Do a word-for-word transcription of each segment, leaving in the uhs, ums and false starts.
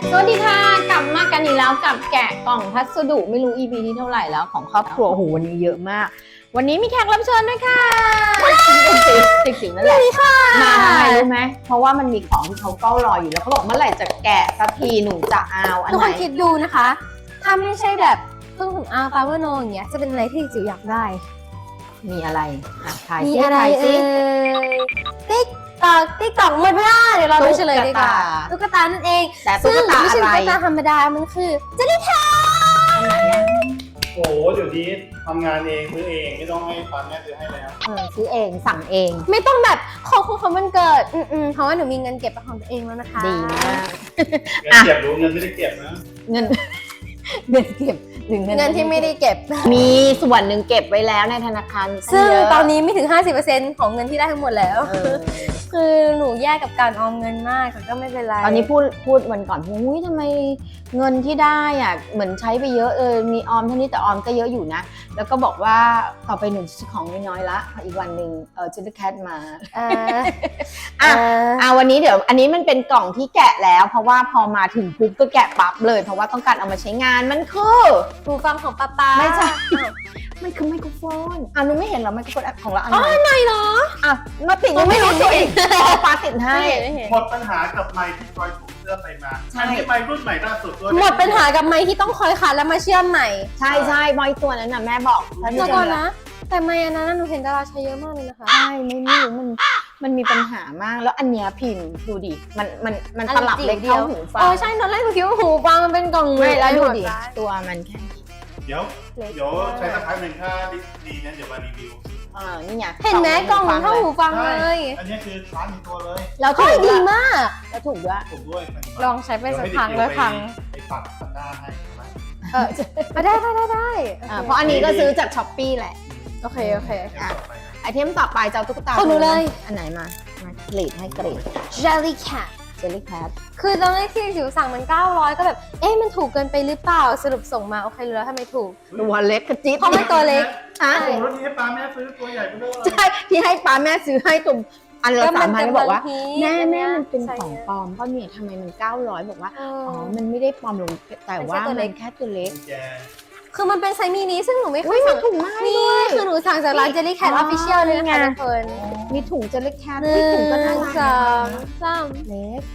สวัสดีค่ะกลับมากันอีกแล้วกับแกะกล่องพัสดุไม่รู้ อี พี ที่เท่าไหร่แล้วของครอบครัวโอ้โหวันนี้เยอะมากวันนี้มีแขกรับเชิญด้วยค่ะจิ๋วจิ๋วนั่นแหละมาทำไมรู้ไหมเพราะว่ามันมีของที่เขาเฝ้ารออยู่แล้วเขาบอกเมื่อไหร่จะแกะสักทีหนูจะเอาอันทุกไหคน นคิดดูนะคะถ้าไม่ใช่แบบเครื่องสำอางฟาเวอร์โนอย่างเงี้ยจะเป็นอะไรที่จิ๋วอยากได้มีอะไรอ่ะถ่ายมีซิอะไรถ่ายเอ่ซิยติ๊กตอกติ๊กตอกหมดเวลาเดี๋ยวเราไปเฉลยดีกว่าตุ๊กตานั่นเองแต่ตุ๊กตาซึ่งไม่ใช่อะไรตุ๊กตาธรรมดามันคือเจลลี่แคทอันไหนอ่ะโอ้โหเดี๋ยวนี้ทำงานเองซื้อเองไม่ต้องให้ป้าแม่ซื้อให้แล้วเออซื้อเองสั่งเองไม่ต้องแบบขอคุณเขามันเกิดอืมๆเพราะว่าหนูมีเงินเก็บเป็นของตัวเองแล้วนะคะดีมากเงินเก็บรู้เงินไม่ได้เก็บนะเงินเงินเก็บหรือเงินเงินที่ไม่ได้เก็บมีส่วนหนึ่งเก็บไว้แล้วในธนาคารซึ่งเยะตอนนี้ไม่ถึง ห้าสิบเปอร์เซ็นต์ ของเงินที่ได้ทั้งหมดแล้วเออคือหนูแยกกับการออมเงินมากแต่ก็ไม่เป็นไรตอนนี้พูดพูดวันก่อนอุ้ยทำไมเงินที่ได้อ่ะเหมือนใช้ไปเยอะเออมีออมเท่านี้แต่ออมก็เยอะอยู่นะ แล้วก็บอกว่าต่อไปหนูจะของน้อยๆละพออีกวันหนึ่งเออจิลลี่แคทมาเอ่ออ่ะเอ่ออ่ะวันนี้เดี๋ยวอันนี้มันเป็นกล่องที่แกะแล้ว เพราะว่าพอมาถึงปุ๊บก็แกะปั๊บเลย เพราะว่าต้องการเอามาใช้งานมันคือหูฟังของป๊าป๊าไม่ใช่อ้าวมันคือไมโครโฟนอ่ะหนูไม่เห็นเหรอไมโครโฟนของเราอันอ๋อไหนไหนเหรออ่ะมาติดยังไม่รู้ตัวอีกอ๋อฟ้าติดให้ไม่เห็นไม่เห็นหมดปัญหากับไมค์ที่คอยถูกเสื้อไปมาใช่อันนี้ไมค์รุ่นใหม่ล่าสุดด้วยหมดปัญหากับไม้ที่ต้องคอยขัดแล้วมาเชื่อมใหม่ใช่ใช่บอยตัวนั้นน่ะแม่บอกถ้าเดี๋ยวจะก่อนนะ แต่ไม้อันนั้นหนูเห็นดาราใช้เยอะมากเลยนะคะใช่ไม่ไม่รู้มันมันมีปัญหามากแล้วอันเนี้ยพิมพ์ดูดิมันมันมันตลับเล็กเท่าหูฟังโอ้ใช่ตอนแรกหนูคิดว่าหูฟังมันเป็นกล่องไม่แล้วดูดิหัซ้ายตัวมันแค่เดี๋ยวเดี๋ยวใช้สักพักหนึ่งถ้าดีเนี่ยเดี๋ยวมารีวิวเออนี่ไงเห็นไหมกล่องมันเท่าหูฟังเลยอันนี้คือคลาสในตัวเลยแล้วถูเฮ้ยกดีด้วยมากแล้วถูกด้วยถูกด้วยลองใช้ไปสักพักแล้วพังไปปักตะกร้าให้ไหมเออได้ได้ได้ได้อ่าเพราะอันนี้ก็ซื้อจากช้อปปี้แหละโอเคโอเคดี๋ยวต่อไปนะไอเทมต่อไปจะเอาตุ๊กตาของหนูเลยอันไหนมามากรีดให้กรีด Jelly Cat เจลลี่แคทคือตอนแรกที่จิ๋วสั่งมันเก้าร้อยก็แบบ เอ๊ะมันถูกเกินไปหรือเปล่า สรุปส่งมาโอเครู้แล้วทำไมถูกตัวเล็กกระจิ๊บเพราะมันตัวเล็กฮะโอ้โหแล้วนี้ให้ป้าแม่ซื้อตัวใหญ่ไปเลยใช่ที่ให้ป้าแม่ซื้อให้ตุ่มอันละก็มัสาน มพันจะบอกว่าบางทีแม่อันเนี้แม่ยมันเป็นใช่ของปลอมเพราะเนี่ยทำไมมันเก้าร้อยบอกว่าเออ๋ออมันไม่ได้ปลอมลงแต่ว่ามันแค่ตัวเล็มันกแค่ตัวเล็กแกคือมันเป็นไซส์มินิซึ่งหนูไม่เคอุ้ยยมีสั่งถุงไม้นี่ด้วยคือหนูสั่งจากร้าน Jelly Cat อ๋อ Official เลยนะนี่คะไงทุกคนมีถุงเจลลี่แคทหมีนึ่ถุงก็งน่ารักสองสามเล็ก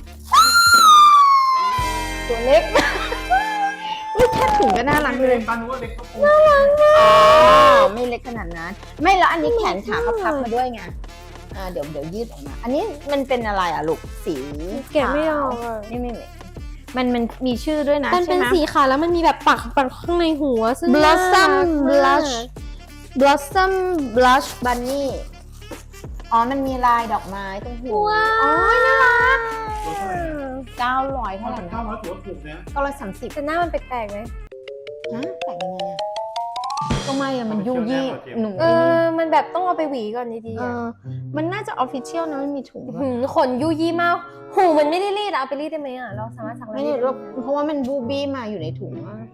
ตัวเล็กอุ้ยแค่ถุงก็น่ารักเลเลย ยป้านึกว่าเด็กเขาคงอ๋อไม่เล็กขนาดนั้น ไม่แล้วอันนี้แขนขาเขาพับมาด้วยไงอ่าเดี๋ยวเดี๋ยวยืดออกมา อันนี้มันเป็นอะไรอ่ะลูกสีแกะไม่ออกอะไม่ไม่ไม่มันมันมีชื่อด้วยนะมันเป็นใช่ไหมสีขาวแล้วมันมีแบบปักปักข้างในหัวซึ่ง Blossom น่ารักมาก Blush Blossom Blush Bunny อ๋อมันมีลายดอกไม้ตรงหัวว้าวอ๋อน่ารักตัวเท่าไหร่นะเก้าร้อยเท่าเท่าไหไหร่ร่นะนะเก้าร้อยถือว่าถูกนะเก้าร้อยสามสิบแต่หน้ามันแปลกๆไหมฮะแต่งยังไงอ่ะก็ไม่อะมันยุ่ยี่หนูเออ มันแบบต้องเอาไปหวีก่อนดีๆเออะอมันน่าจะออฟฟิเชียลนะมันมีถุงด้วยหืมขนยุยี่มาก หูมันไม่ได้รีดอะเอาไปรีดได้ไหมอะเราสามารถสั่งไม่รีได้ดหรอกเพราะว่ามันบูบี้มาอยู่ในถุงอะ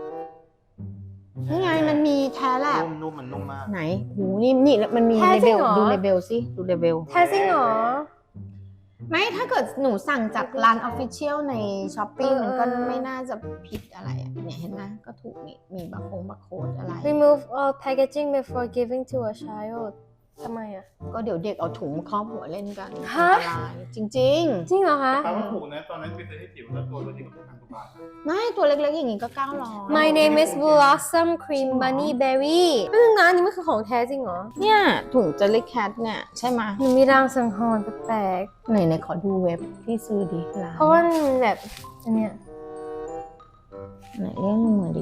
นี่ไงมันมีแท้แหละนุ่มนุ่มมันนุ่มมากไหนหูนี่นี่มันมีเลเบลดูเลเบลสิดูเลเบลแท้จริงเหรอไม่ถ้าเกิดหนูสั่งจากร้านออฟฟิเชียลในช้อปปี้เออมันก็เออไม่น่าจะผิดอะไรอ่ะเนี่ยเห็นไหมก็ถูกนี่มีบาร์โค้ดบาร์โค้ดอะไร remove all packaging before giving to a child ทำไมอะก็เดี๋ยวเด็กเอาถุงมาครอบหัวเล่นกันฮะอันตรายจริงจริงเหรอคะป้าว่าถูกนะตอนนั้นไปซื้อให้จิ๋วแล้วตัวละที่แบบพันกว่าบาทนะๆ ไม่ตัวเล็กๆอย่างนี้ก็เก้าร้อย My name is Blossom Cream Bunny Berry ไม่รู้นะอันนี้มันคือของแท้จริงเหรอเนี่ยถุงเจลลี่แคทเนี่ยใช่ไหมมันมีรางสังหรณ์แปลกไหนไหนขอดูเว็บที่ซื้อดิร้านๆเพราะว่ามันแบบอันเนี้ยไหนเรียกมือดิ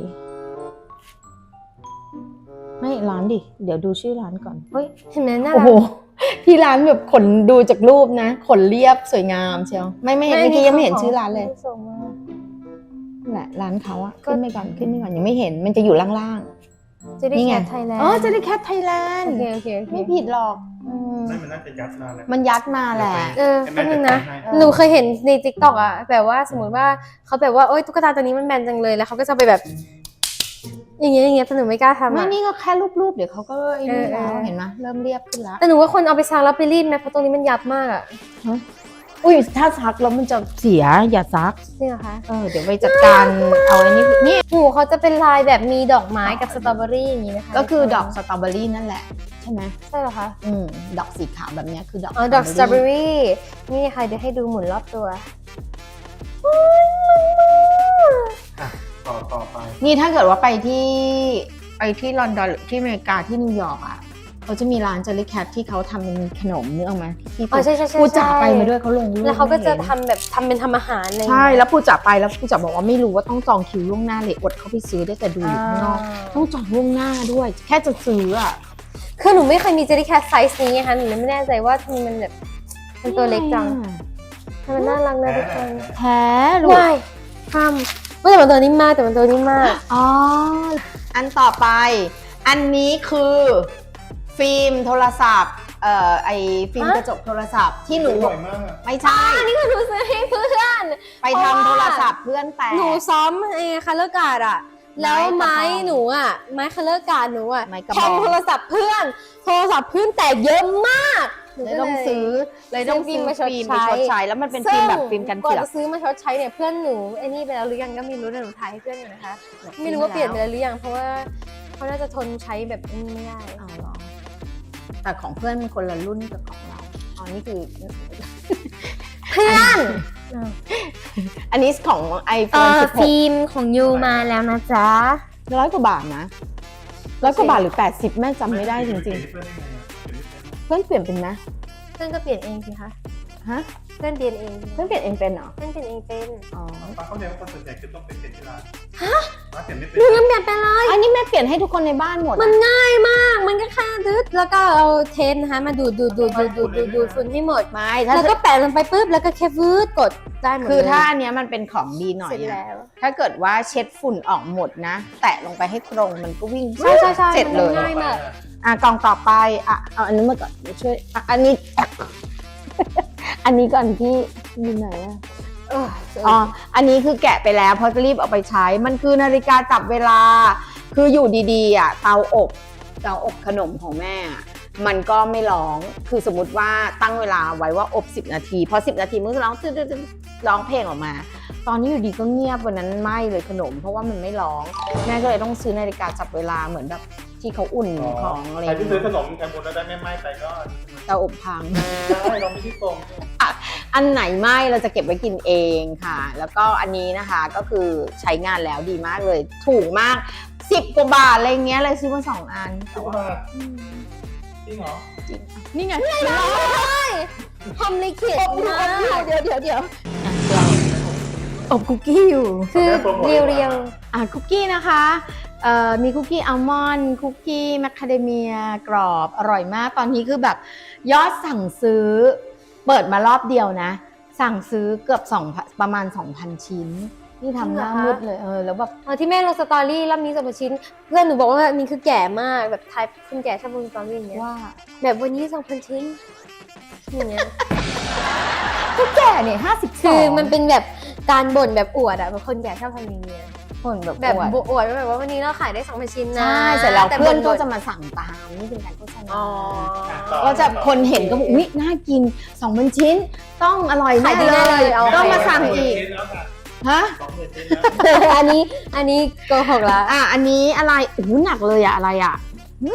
ไม่ร้านดิเดี๋ยวดูชื่อร้านก่อนเฮ้ยเห็นไหมน่าโอ้รัโหกที่ร้านแบบขนดูจากรูปนะขนเรียบสวยงามเชียวไม่ไม่เห็นเมื่อกี้ยังไม่เห็นชื่อร้านเลยส่งมานั่นแหละร้านเขาอะก็ขึ้นไปก่อนขึ้นไปก่อนยังไม่เห็นมันจะอยู่ล่างจะๆได้นี่แคไงทไทยแลนด์อ๋อเจลลี่แคทไทยแลนโอด์เคโอเคโอเคไม่ผิดหรอกอืมนั่นมันน่าจะยัดมาแล้วมันยัดมาแหละเออให้แป๊แม่บนึงจัดนะการให้เออหนูเคยเห็นใน ติ๊กต็อก อ่ะแบบว่าสมมติว่าเขาแบบว่าโอ๊ยตุ๊กตาตัวนี้มันแบนจังเลยแล้วเขาก็จะไปแบบ อย่างเงี้ยอย่างเงี้ยแต่หนูไม่กล้าทำไม่อ่ะนี่ก็แค่รูปๆเดี๋ยวเขาก็ไอ้นี่เออแล้วเออเห็นไหมเริ่มเรียบขึ้นแล้วแต่หนูว่าคนเอาไปซักแล้วไปรีดไหมเพราะตรงนี้มันยับมากอ่ะฮะเออุ้ยถ้าซักแล้วมันจะเสียอย่าซักจริงเหรอคะเออเดี๋ยวไปจัดการเอาไอ้นี่นี่หูเขาจะเป็นลายแบบมีดอกไม้กับสตรอเบอรี่อย่างนี้นะคะก็คือดอกสตรอเบอรี่นั่นแหละใช่ไหมใช่เหรอคะอืมดอกสีขาวแบบเนี้ยคือดอกอ๋อดอกสตรอเบอรี่นี่ค่ะเดี๋ยวให้ดูหมุนรอบตัวอ่ะต่อต่อไปนี่ถ้าเกิดว่าไปที่ไปที่ลอนดอนหรือที่อเมริกาที่นิวยอร์กอ่ะเขาจะมีร้านเจลลี่แคทที่เขาทำเป็นขนมเนื้อออกมาที่อ๋อใช่ใช่ใช่ปูจ๋าไปมาด้วยเขาลงรูปแล้วเขาก็จะให้ทำแบบทำเป็นทำอาหารอะไรอย่างใช่เงี้ยแล้วปูจ๋าไปแล้วปูจ๋าบอกว่าไม่รู้ว่าต้องจองคิวล่วงหน้าเลยอดเข้าไปซื้อได้แต่ดูอยู่ข้างนอกต้องจองล่วงหน้าด้วย แค่จะซื้ออ่ะคือหนูไม่เคยมีเจลลี่แคทไซส์นี้นะคะหนูเลยไม่แน่ใจว่าทำไมมันแบบมันตัวเล็กจังทำไมมันน่ารักนะทุกคนแท้ลูกว้ายทำว่าแต่มันตัวนิ่มมากแต่มันตัวนิ่มมากอ๋ออันต่อไป อันนี้คือฟิล์มโทรศัพท์เอ่อไอฟิล์มฮะกระจกโทรศัพท์ที่หนูบ่อยมากอะไม่ใช่อันนี้คือหนูซื้อให้เพื่อนไปทำโทรศัพท์เพื่อนแตกหนูซ้อมเองคัลเลอร์การ์ดอะแล้วไม้ไม้กระบองหนูอะไม้คัลเลอร์การ์ดหนูอะไม้กระบองแทงโทรศัพท์เพื่อน โทรศัพท์เพื่อนแตกเยอะมากหนูเลยก็ต้องซื้อเลยต้องซื้อซื้อฟิฟิล์ล์มมมาไปชดใช้ชดใช้แล้วมันเป็นฟิล์มแบบฟิล์มกันก่อนเสือกจะซื้อมาชดใช้เนี่ยเพื่อนหนูไอ้นี่ไปแล้วหรือยังก็ไม่รู้แต่หนูถ่ายให้เพื่อนอยู่นะคะ ไม่รู้ว่าเปลี่ยนไปแล้วหรือยังเพราะว่าเขาน่าจะทนใช้แบบนี้ไม่ได้เอาเหรอแต่ของเพื่อนมันคนละรุ่นกับของเราอ๋อนี่คือเพื่อนอันนี้ของเอ iPhone อสิบหกฟิล์มของยูมาแล้วนะจ๊ะร้อยกว่าบาทนะร้อยกว่าบาทหรือแปดสิบแม่จำไม่ได้จริงๆเพื่อนได้ไงอะๆ เพื่อนเปลี่ยนเป็นนะเพื่อนก็เปลี่ยนเองสิคะฮะเพื่อนเปลี่ยนเองเพื่อนเปลี่ยนเองเป็นเหรอเพื่อนเปลี่ยนเองเป็นอ๋อป้าเข้าใจว่าคนส่วนใหญ่คือต้องไปเปลี่ยนที่ร้านฮะป้าเปลี่ยนไม่เป็นหนูยังเปลี่ยนไปเลยอันนี้แม่เปลี่ยนให้ทุกคนในบ้านหมดอะมันง่ายมาก มันก็แค่ดึดแล้วก็เอาเทปนะคะมาดูดดูดดูดดูดดูดดูดดูดฝุ่นให้หมดไม่ถ้าแล้วก็แปะลงไปปุ๊บแล้วก็แค่ฟืดกดได้หมดเลยคือถ้าอันเนี้ยมันเป็นของดีหน่อเสยร็จอะแล้วถ้าเกิดว่าเช็ดฝุ่นออกหมดนะ แตะลงไปให้ตรงมันก็วิ่งใช่ใช่ใช่เสร็จเลยมันง่ายมากอ่ะกล่องต่อไปอ่ะเอาอันนี้มาก่อนเดี๋ยวช่วยอ่ะอันนี้ อันนี้ก่อนที่อยู่ไหนอะเอออ๋ออันนี้คือแกะไปแล้วเพราะจะรีบเอาไปใช้ มันคือนาฬิกาจับเวลา คืออยู่ดีๆอ่ะเตาอบเตาอบขนมของแม่อะมันก็ไม่ร้องคือสมมติว่าตั้งเวลาไว้ว่าอบสิบนาทีพอสิบนาทีมันก็ร้องตึ๊ดๆๆร้องเพลงออกมา ตอนนี้อยู่ดีก็เงียบวันนั้นไหม้เลยขนม เพราะว่ามันไม่ร้องแม่ก็เลยต้องซื้อนาฬิกาจับเวลาเหมือนแบบที่เขาอุ่นของอะไรใครที่ซื้อขนมแคมบูแล้วได้ไม่ไหม้ไปก็เตาอบพังได้เราไม่ที่ตรงอันไหนไหม้เราจะเก็บไว้กินเองค่ะ แล้วก็อันนี้นะคะก็คือใช้งานแล้วดีมากเลย ถูกมากสิบกว่าบาทอะไรเงี้ยเลยซื้อมาสองอันสิบบาทจริงเหรอจริงนี่ไงทำลิขิตมากเดี๋ยวเดี๋ยวเดี๋ยวอบคุกกี้อยู่คือเรียวเรียวอ่ะคุกกี้นะคะเอ่อมีคุกกี้อัลมอนด์คุกกี้แมคคาเดเมียกรอบอร่อยมากตอนนี้คือแบบยอดสั่งซื้อเปิดมารอบเดียวนะ สั่งซื้อเกือบสองประมาณ สองพัน ชิ้นนี่ทำหน้ามืดเลยเออแล้วแบบอ๋อที่แม่ลงสตอรี่รอบนี้สองพันชิ้น เพื่อนหนูบอกว่าอันนี้คือแก่มากแบบไทป์คนแก่ชอบลงสตอรี่อย่างเงี้ยว่าแบบวันนี้สองพันชิ้นอย่างเงี้ยก็แก่เนี่ยห้าสิบสคือ อง มันเป็นแบบการบ่นแบบอวดอะแบบคนแก่ชอบทำอย่างเงี้ยคนแบบแบบอวดอวดว่าแบบว่าวันนี้เราขายได้สองพันชิ้นนะใช่เสร็จแล้วแต่เพื่อนก็บ่ๆจะมาสั่งตามนี่เป็นการโฆษณาอ๋อก็จะคนเห็นก็บอกอุ๊ยน่ากินสองพันชิ้น ต้องอร่อยแน่ขายดีเลแน่เลยยเอาก็ไปมาสั่งอีกฮะสองหมื่นชิ้นแล้วอันนี้อันนี้โกหกละอ่ะอันนี้อะไรโอ้โหหนักเลยอะอะไรอะหึ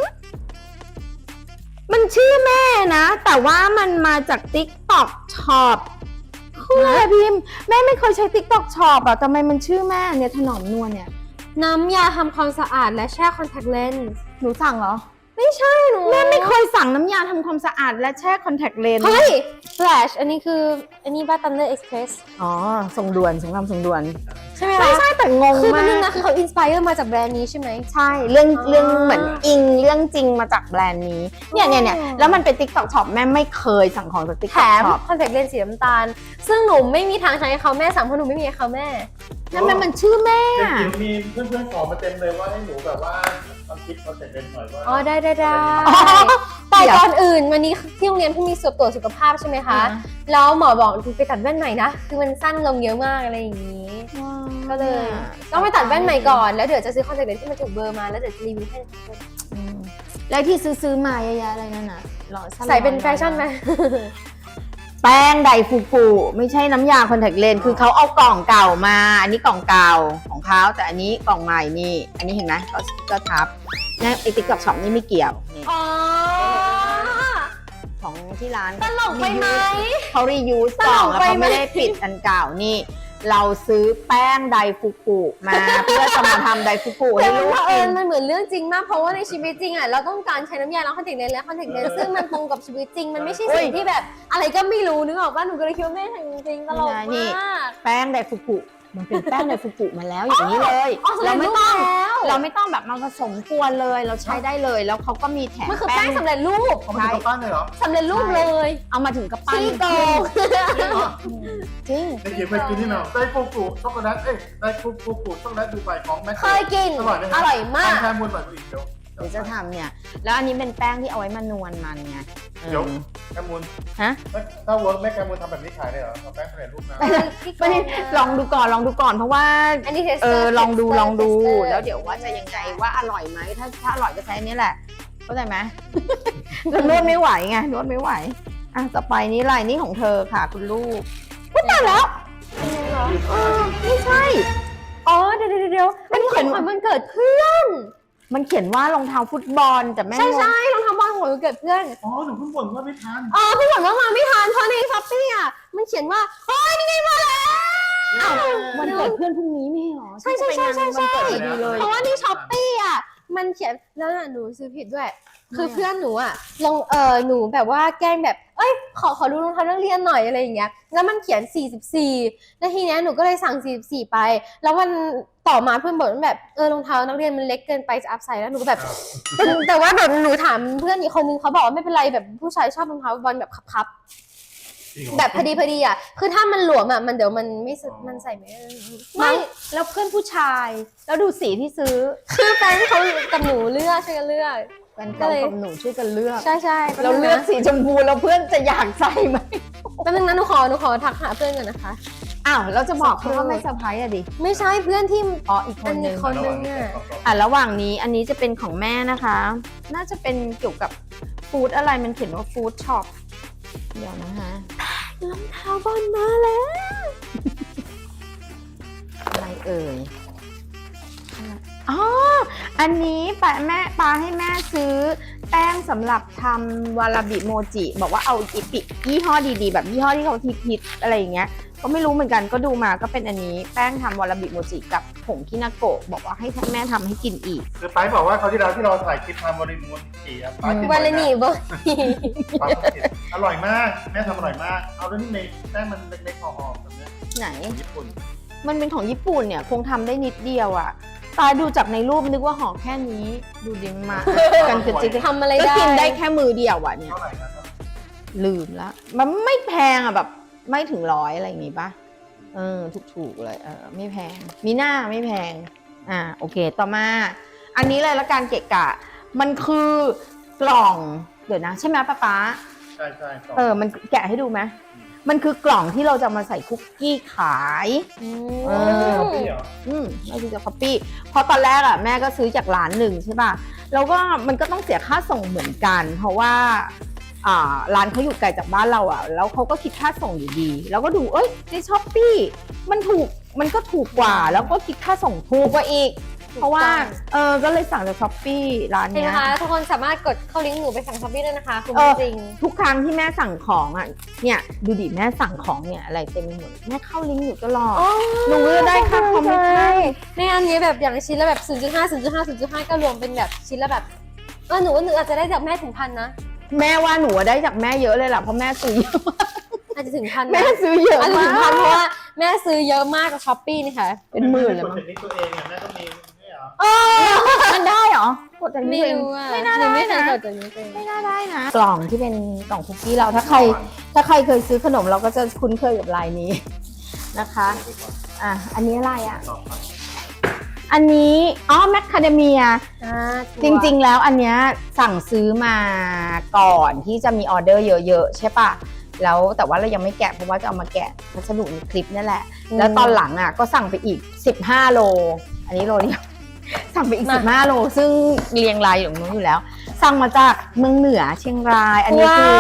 มันชื่อแม่นะ แต่ว่ามันมาจาก TikTok Shop คืออะไรพิมพ์แม่ไม่เคยใช้ TikTok Shop อะทำไมมันชื่อแม่เนี่ยถนอมนวลเนี่ยน้ำยาทำความสะอาดและแช่คอนแทคเลนส์หนูสั่งเหรอไม่ใช่หนูแม่ไม่เคยสั่งน้ำยาทำความสะอาดและแช่คอนแทคเลนส์เฮ้ย Flash อันนี้คืออันนี้บ้า Thunder Express อ๋อส่งด่วนสงครามส่งด่วนใช่ไหมใช่คะใช่แต่งงคือมันมานึงกนะคือเขาอินสไปเอร์มาจากแบรนด์นี้ใช่ไหมใช่เรื่องอ๋อเรื่องเหมือนอิงเรื่องจริงมาจากแบรนด์นี้เนี่ยเนี่ยเนี่ยอ๋อแล้วมันเป็น TikTok Shop แม่ไม่เคยสั่งของจากแถ TikTok ม Shop คอนแทคเลนส์สีน้ำตาล ซึ่งหนูไม่มีทางใช้ให้เขาแม่สั่งเพราะหนูไม่มีให้เขาแม่นั่นมันมันชื่อแม่เด็กจิ๋วมีเพื่อนๆขอมาเต็มเลยว่าให้หนูแบบว่าทำคลิปมาเสร็จเป็นหน่อยว่าอ๋อได้ได้ได้อ๋อแต่เดี๋ยวก่อนอื่นวันนี้ที่โรงเรียนเพิ่งมีสอบตรวจสุขภาพใช่ไหมคะ แล้วหมอบอกไปตัดแว่นใหม่นะ คือมันสั้นลงเยอะมากอะไรอย่างนี้ ก็เลยต้องไปตัดแว่นใหม่ก่อน แล้วเดี๋ยวจะซื้อคอนแทคเลนส์ที่มันถูกเบอร์มา แล้วเดี๋ยวจะรีวิวให้อืมแล้วที่ซื้อซื้อมาเยอะๆอะไรนั่นน่ะหล่อสั้นใส่เป็นแฟชั่นไหมแป้งไดฟูกุไม่ใช่น้ำยาคอนแทคเลนส์คือเขาเอากล่องเก่ามา อันนี้กล่องเก่าของเขาแต่อันนี้กล่องใหม่นี่อันนี้เห็นไหมก็ก็ทับเนี่ยไอติ๊กต็อกช็อปนี่ไม่เกี่ยวนี่อ๋อของที่ร้านตลกไปไหมเขารียูสกล่องแล้วเขาไม่ได้ปิดอันเก่านี่ เราซื้อแป้งไดฟูกุมา เพื่อจะมาทำไดฟูกุแต่ให้มันลูกเผอิกิญนมันเหมือนเรื่องจริงมากเพราะว่าในชีวิตจริงอ่ะเราต้องการใช้น้ำยาล้างคอนแทคเลนส์และคอนแทคเลนส์ซึ่งมันตรงกับชีวิตจริงมันไม่ใช่สิ่งที่แบบอะไรก็ไม่รู้นึกออกป่ะหนูก็เลยคิดว่าแม่ทำจริงๆตลกนี่มากแป้งไดฟูกุมันเป็นแป้งไดฟูกุมาแล้วอย่างนี้เลยอ๋อสำเร็เราจไม่รูปต้องแล้วเราไม่ต้องแบบมาผสมกวนเลยเราใช้ได้เลยแล้วเขาก็มีแถมมันคือแป้งสำเร็จรูปเขาไม่ทำปั้นเลยเหรอสำเร็จรูปเลยเอามาถึงกระปั้นขี้โกงจริงเหรอจริงในเขียนไปกินที่ไหนไดฟูกุช็อกโกแลตเอ้ยไดฟูกุช็อกโกแลตดูไบของแม็กเคยกินอร่อยไหมอร่อยมากแค่มูลหน่อยอีกเดี๋ยวเดี๋ยวจะทำเนี่ย แล้วอันนี้เป็นแป้งที่เอาไว้มานวลมันไงเออเดี๋ยวแคมูลฮะถ้าเวิร์กแม่แคมูลทำแบบนี้ขายได้เหรอเอาแป้งสำเร็จรูปนะไม่ลองดูก่อนลองดูก่อนเพราะว่าอันนี้เทสเอเตออร์ลองดูลองดูเทสเตอร์แล้วเดี๋ยวว่าจะยังไงว่าอร่อยไหมถ้าถ้าอร่อยก็ใช้อันนี้แหละเข้าใจไหม เรานวดไม่ไหวไงนวดไม่ไหวอ่ะต่อไปนี้ลายนี้ของเธอค่ะคุณลูกพูดตายแล้วเออไม่ใช่อ๋อเดี๋ยวเดี๋ยวเดี๋ยวอันนี้ของขวัญวันเกิดเพื่อนมันเขียนว่ารองเท้าฟุตบอลแต่แม่ใช่งงใช่รองเท้าบอลของวันเกิดเพื่อนอ๋อหนูเพิ่งบ่นว่าไม่ทานอ๋อพี่หวังว่ามาไม่ทันเพราะในช้อปปี้อ่ะมันเขียนว่าเฮ้ยนี่ไงมาแล้วอ้าววันเกิดเพื่อนพรุ่งนี้ไม่เหรอใช่ใช่ใช่ใช่ใช่วันเกิดพอดีเลยเพราะว่าที่ช้อปปี้อ่ะมันเขียนแล้วน่ะหนูซื้อผิดด้วย คือเพื่อนหนูอ่ะลงเออหนูแบบว่าแกล้งแบบเอ้ยขอขอดูรองเท้านักเรียนหน่อยอะไรอย่างเงี้ยแล้วมันเขียนสี่สิบสี่แล้วทีเนี้ยหนูก็เลยสั่งสี่สิบสี่ไป แล้ววันต่อมาเพื่อนบอกว่าแบบเออรองเท้านักเรียนมันเล็กเกินไปจะอัพไซส์แล้วหนูก็แบบ แต่ว่าแบบหนูถามเพื่อนอีกคนนึงเขาบอกว่าไม่เป็นไรแบบผู้ชายชอบรองเท้าบอลแบบคับๆแบบพอดีพอดีอ่ะคือถ้ามันหลวมอ่ะมันเดี๋ยวมันไม่สมันใส่ไม่ได้ไม่ไม่แล้วเพื่อนผู้ชาย แล้วดูสีที่ซื้อคือแฟนเขากับหนูเลือกช่วยกันเลือกแฟนเก่ากับหนูช่วยกันเลือกใช่ใช่เราเลือกสีชมพูแล้วเพื่อนจะอยากใส่ไหมแป๊บนึงนะหนูขอหนูขอทักหาเพื่อนก่อนนะคะอ้าวเราจะบอกเขาว่าไม่เซอร์ไพรส์อะดิไม่ใช่เพื่อนที่อ๋ออีกคนนึงคนนึงอะอ่ะระหว่างนี้อันนี้จะเป็นของแม่นะคะ น่าจะเป็นเกี่ยวกับฟู้ดอะไรมันเขียนว่าฟู้ดช็อปเดี๋ยวนะคะรองเท้าบอลมาแล้วอะไรเอ่ยอ๋ออันนี้ป้าแม่ป้าให้แม่ซื้อแป้งสำหรับทำวาลาบิโมจิบอกว่าเอาอีปิยี่ห้อดีๆแบบยี่ห้อที่เขาฮิตๆอะไรอย่างเงี้ยก็ไม่รู้เหมือนกันก็ดูมาก็เป็นอันนี้แป้งทำวาลาบิโมจิกับผงคินาโกะบอกว่าให้แม่ทำให้กินอีกคือไปบอกว่าเขาวที่เราที่เราถ่ายคลิปทำบริมูลขี่อ่ะป้ากินวันละนี่บอลป้ากินอร่อยมากแม่ทำอร่อยมากเอาด้วยนี่เมย์แป้งมันเล็กๆห่อๆแบบเนี้ยไหนญี่ปุ่นมันเป็นของญี่ปุ่นเนี่ยคงทำได้นิดเดียวอะตายดูจากในรูปนึกว่าห่อแค่นี้ ดูดีมากกันกระจิกทำอะไรก็ได้กินได้แค่มือเดียวอะเนี่ยเท่าไหร่นะครับลืมละมันไม่แพงอะแบบไม่ถึงร้อยอะไรอย่างงี้ปะเออถูกๆเลยเออไม่แพงมีหน้าไม่แพงอ่าโอเคต่อมา อันนี้เลยละการเกะกะ มันคือกล่องเดี๋ยวนะใช่ไหมป้าป๊าใช่ใช่สองเออมันแกะให้ดูไหมมันคือกล่องที่เราจะมาใส่คุกกี้ขายอืเอมคอฟฟี่เหรออืมไม่ใช่จะคัปปี้เพราะตอนแรกอะแม่ก็ซื้อจากร้านหนึ่งใช่ป่ะแล้วก็มันก็ต้องเสียค่าส่งเหมือนกัน เพราะว่าอ่าร้านเขาอยู่ไกลจากบ้านเราอะแล้วเขาก็คิดค่าส่งอยู่ดี แล้วก็ดูเอ้ยในช้อปปี้มันถูกมันก็ถูกกว่า แล้วก็คิดค่าส่งถูกกว่าอีก เพราะว่าเออก็เลยสั่งจากช้อปปี้ร้านเห็นไหเนี้มยคะทุกคนสามารถกดเข้าลิงก์หนูไปสั่งช้อปปี้ได้นะคะคุณเออจริงทุกครั้งที่แม่สั่งของอ่ะเนี่ยดูดิแม่สั่งของเนี่ยอะไรเต็มไปหมดแม่เข้าลิงก์อยู่ตลอด หนูก็ได้ค่าคอมมิชชั่นในอันนี้แบบอย่างชิ้นละแบบ ศูนย์จุดห้า ศูนย์จุดห้า ศูนย์จุดห้า ก็รวมเป็นแบบชิ้นละแบบเออหนูว่าหนูอาจจะได้จากแม่ถึงพันนะแม่ว่าหนูได้จากแม่เยอะเลยล่ะเพราะแม่ซื้อเยอะอาจจะถึงพันแม่นะซื้อเยอะอาจจะมาถึงพันเพกราะว่าแม่ซื้อเยอะมากกับช้อปปี้นี่ค่ะเป็นหมื่นเลยกดมั้งจากนี้ตัวเองอ่ะแม่ก็มีไม่เหรอเออมันได้เหรอกดจากไม่นี้เองรู้อ่ะไม่น่าหนูไม่ได้เคยนะกดจากนี้เองไม่น่าได้นะกล่องที่เป็นกล่องคุกกี้เราถ้าใครถ้าใครเคยซื้อขนมเราก็จะคุ้นเคยกับลายนี้นะคะอ่ะอันนี้อะไรอ่ะต่อไปอันนี้อ๋อแมคคาเดเมียอ่าจริงๆ แล้วอันเนี้ยสั่งซื้อมาก่อนที่จะมีออเดอร์เยอะๆ ใช่ปะแล้วแต่ว่าเรายังไม่แกะเพราะว่าจะเอามาแกะพัสดุในคลิปนี่แหละ แล้วตอนหลังอ่ะก็สั่งไปอีกสิบห้าโล อันนี้โลเดียว สั่งไปอีกสิบห้าโล ซึ่งเรียงรายอยู่ตรงนู้นอยู่แล้ว สั่งมาจากเมืองเหนือเชียงราย อันนี้คือ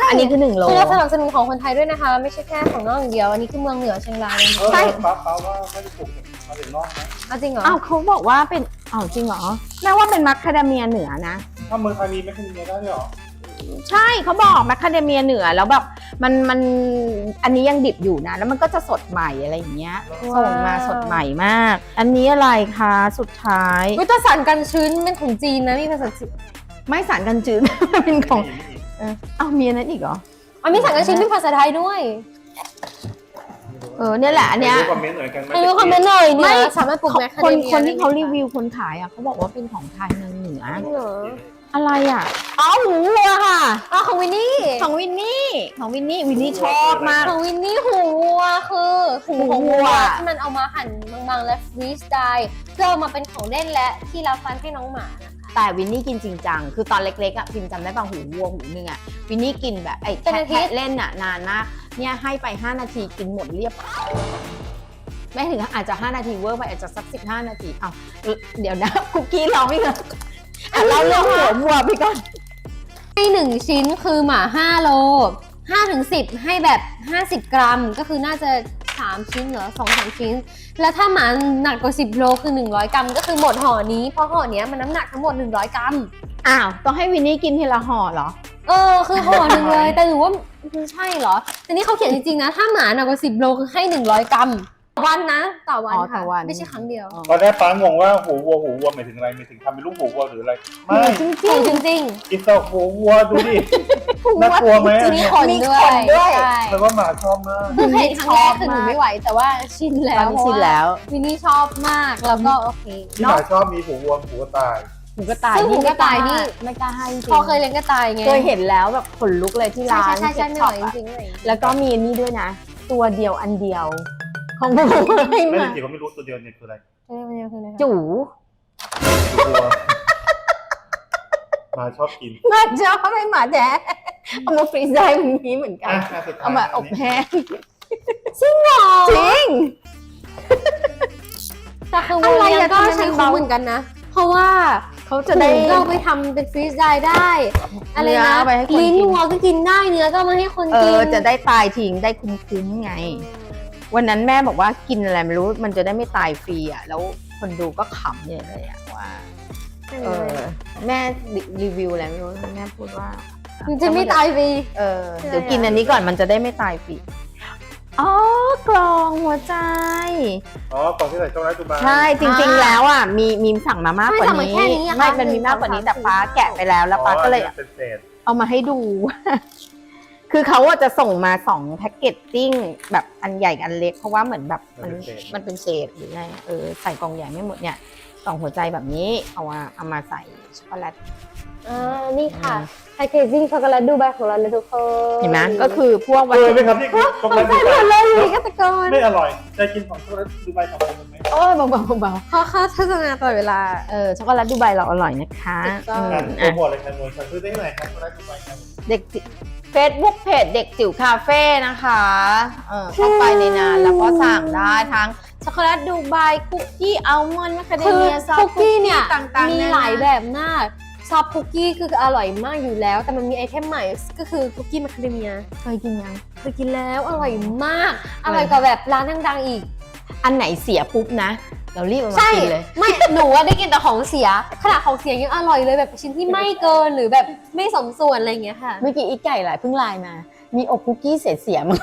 อันนี้คือหนึ่งโลคือเราสนับสนุนของคนไทยด้วยนะคะ ไม่ใช่แค่ของนอกอย่างเดียวอันนี้คือเมืองเหนือเชียงรายนะคะเออใช่ป้าป้าว่าไม่ได้ปลูกมาถึงนอกนะเอาจริงเหรออ้าวเขาบอกว่าเป็นอ้าวจริงเหรอแม่ว่าเป็นมัคคาเดเมียเหนือนะถ้าเมืองไทยมีไม่ขึ้นเมียได้ด้วยเหรอใช่เขาบอกมัคคาเดเมียเหนือแล้วแบบมันมันอันนี้ยังดิบอยู่นะแล้วมันก็จะสดใหม่อะไรอย่างเงี้ยว้าวส่งมาสดใหม่มาก อันนี้อะไรคะสุดท้ายวิตาสารกันชื้นเป็นของจีนนะมีภาษาจีนไม่สารกันจืด เป็นของมีอีกเอออ้าวมีอันนั้นอีกเหรออ๋อมีสารกันชื้นเป็นภาษาไทยด้วยเออเนี่ยแหละอันเนี้ยไม่รู้คอมเมนต์หน่อยกันไหมให้รู้คอมเมนต์หน่อยไม่เนี่ยสามารถปลูกแมคคาคนเดเมียคนที่เขาได้ไหมรีวิวคนขายอ่ะเขาบอกว่าเป็นของไทยเมืองเหนือเหรออะไรอ่ะอ๋อหมูวัวค่ะอ๋อของวินนี่ของวินนี่ของวินนี่วินนี่ชอบมากของวินนี่หูวัวคือหูหูของวัวัววที่มันเอามาหั่นบางๆและฟรีสไตล์เพื่อเอามาเป็นของเล่นและที่รับฟันให้น้องหมานะคะแต่วินนี่กินจริงจังคือตอนเล็กๆอ่ะพิมจำได้ป่ะหูวัวหูหนึงอ่ะวินนี่กินแบบไอ้แค่แค่เล่นอ่ะนานมากเนี่ยให้ไปห้านาทีกินหมดเรียบไม่ถึงอาจจะห้านาทีเวอร์ไปอาจจะสักสิบห้านาทีเอ้าเดี๋ยวนะคุกกี้ร้องอีกแล้วอ่ะเราเรื่องหัววัวไปก่อนให้หนึ่งชิ้นคือหมาห้าโลห้าถึงสิบให้แบบห้าสิบกรัมก็คือน่าจะสามชิ้นเหรอสองสามชิ้น แล้วถ้าหมาหนักกว่าสิบโลคือหนึ่งร้อยกรัมก็คือหมดห่อนี้เพราะห่อเนี้ยมันน้ำหนักทั้งหมดหนึ่งร้อยกรัมอ้าวต้องให้วินนี่กินทีละห่อเหรอเออคือห่อหนึ่งเลย แต่หนูว่ามันใช่เหรอแต่นี่เขาเขียนจริงๆนะถ้าหมาหนักกว่าสิบโลคือให้หนึ่งร้อยกรัมต่อวันนะต่อวันอ๋อต่ค่ะอวันไม่ใช่ครั้งเดียวตอนแรกป้างงว่าหูวัวหูวัวหมายถึงอะไรหมายถึงทำเป็นลูกหูวัวหรืออะไร ไม่จริงๆจริงอิสระหูวัวดูดิน่ากลัวไหมๆอัทีนนี้เนี้ยขนด้วยมีขนด้วยใช่แต่ว่าหมาชอบมากคือเห็นครั้งแรกคือหนูไม่ไหวแต่ว่าชินแล้ตอวนนี้ชินแล้ววินนี่ชอบมากแล้วก็โอเคที่หมาชอบมีหูวัวหูกระต่ายหูกระต่ายซึ่งหูกระต่ายนี่ไม่กล้าให้จริงพอเคยเลี้ยงกระต่ายไงเคยเห็นแล้วแบบขนลุกเลยที่ใช่ร้านใช่ใช่เซ็ใช่ตไม่ช็ไหอวปจริงๆเลยแล้วก็มีอันนี้ด้วยนะ ตัวเดียวอันเดียว ของผมให้ไม่มาจริงๆก็ไม่รู้ตัวเดียวเนี่ยคืออะไรไม่ไม่คืออะไรคะจู๋หูวัวหมาชอบกินมาชอบให้หมาแท้เอามาฟรีซได้แบบนี้เหมือนกันอ่ะอ่ะสุดท้ยเอามาอบแห้งจริงเหรอจริงแต่คือวัวเลี้ยงก็ใช้คุ้มเหมือนกันนะ เพราะว่าเขาจะได้หูก็เอาไปทำเป็นฟรีสไดร์ได้ อะไรเนื้นะอไปให้คนลิ้นกินวัวก็กินได้เนื้อก็เอามาให้คนเอกินอจะได้ตายทิ้งได้คุ้มๆไง วันนั้นแม่บอกว่ากินอะไรไม่รู้มันจะได้ไม่ตายฟรีอ่ะแล้วคนดูก็ขำเนี่ยเลยอ่ะว่าเออแม่รีวิวอะไรไม่รู้แม่พูดว่ามันจะไม่ตายฟรีเออเดี๋ยวกินอันนี้ก่อนมันจะได้ไม่ตายฟรีอ๋อกล่องหัวใจอ๋อกล่องที่ใส่ช็อกโกแลตดูบาใช่จริงๆแล้วอ่ะมีมีสั่งมามากกว่าไม่สั่งมานี้แค่นี้อะไม่ค่ะมันมีมากกว่านี้หนึ่งสองสามแต่ป้าแกะไปแล้วแล้วป้าก็เลยอ๋อเป็นเศษเอามาให้ดู คือเขาอะจะส่งมาสองแพ็กเกจจิ้งแบบอันใหญ่กับอันเล็กเพราะว่าเหมือนแบบมันมันเป็นเศษหรือไงเออใส่กล่องใหญ่ไม่หมดเนี่ยกล่องหัวใจแบบนี้เอามาเอามาใส่ช็อกโกแลตอ่านี่ค่ะแพคเกจจิ้งช็อกโกแลตดูไบของเราเลยทุกคนเห็นไหมก็คือพวกวัเอตอถุไหมครับนี่คือช็อกโกแลตดูไบเลยอยู่กัตกรไม่อร่อยจะกินของช็อกโกแลตดูไบของผมไหมโอ้ยเบาๆเบาเขาเข้าโฆษณาตลอดเวลาๆเออช็อกโกแลตดูไบเราอร่อยนะคะถูกต้องอือ่ะมโปรอ่ะโมทเลยครับมวยซื้อได้ที่ไหนครับช็อกโกแลตดูไบครับเด็กเฟซบุ๊กเพจเด็กจิ๋วคาเฟ่นะคะเออเข้าไปในนั้นแล้วก็สั่งได้ทั้งช็อกโกแลตดูไบคุกกี้อัลมอนด์มะคาเดคือเมียซอฟคุกกี้เนี่ยต่างๆมีนนหลายแบบมากซอฟคุกกี้คืออร่อยมากอยู่แล้ว แต่มันมีไอเทมใหม่ก็คือคุกกี้มาคาเดเมียเคยกินยังเคยกินแล้วอร่อยมากออร่อยร่อยกว่าแบบร้านดังๆอีกอันไหนเสียปุ๊บนะ เรารีบเอามาใช่กินเลยไม่หนูว่าได้กินแต่ของเสียขนาดของเสียยังอร่อยเลยแบบชิ้นที่ไม่เกินหรือแบบไม่สมส่วนอะไรอย่างเงี้ยค่ะเมื่อกี้อีกไก่หลายเพิ่งไลน์มา มีอบคุกกี้เสียเสียมั้ง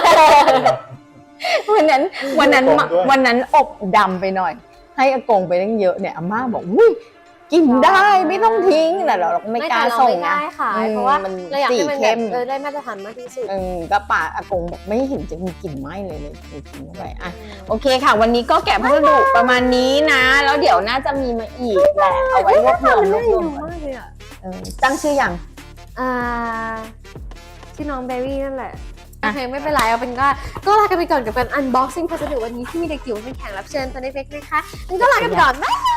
วันนั้นวันนั้นอบด้วยวันนั้นอบดำไปหน่อย ให้อากงไปตั้งเยอะเนี่ยอาม่าบอกอุ้ยกินได้ไม่ต้องทิ้งแต่เราไม่กล้าแต่เรส่งไม่นะได้ค่ะอืมเพราะว่ามันเราอยากให้มันสีเข้แบบมเออได้มาตรฐานมากที่สุดเออก็ป่าอากงบอกไม่เห็นจะมีกลิ่นไหม้เลยเลยเลยกินเข้าไปอ่ะโอเคค่ะ วันนี้ก็แกะพัสดุประมาณนี้นะ แล้วเดี๋ยวน่าจะมีมาอีกแหละเอาไว้รวบรวมรวบรวมก่อนมากเลยอ่ะเออตั้งชื่อยังอ่าชื่อน้องเบบี้นั่นแหละอ่ะโอเคไม่เป็นไรเอาเป็นก็ก็ลากันไปก่อนกับการ unboxing พัสดุวันนี้ที่มีเด็กจิ๋วเป็นแขกรับเชิญตัวเล็กๆนะคะงั้นก็ลากันไปก่อนบ๊ายบาย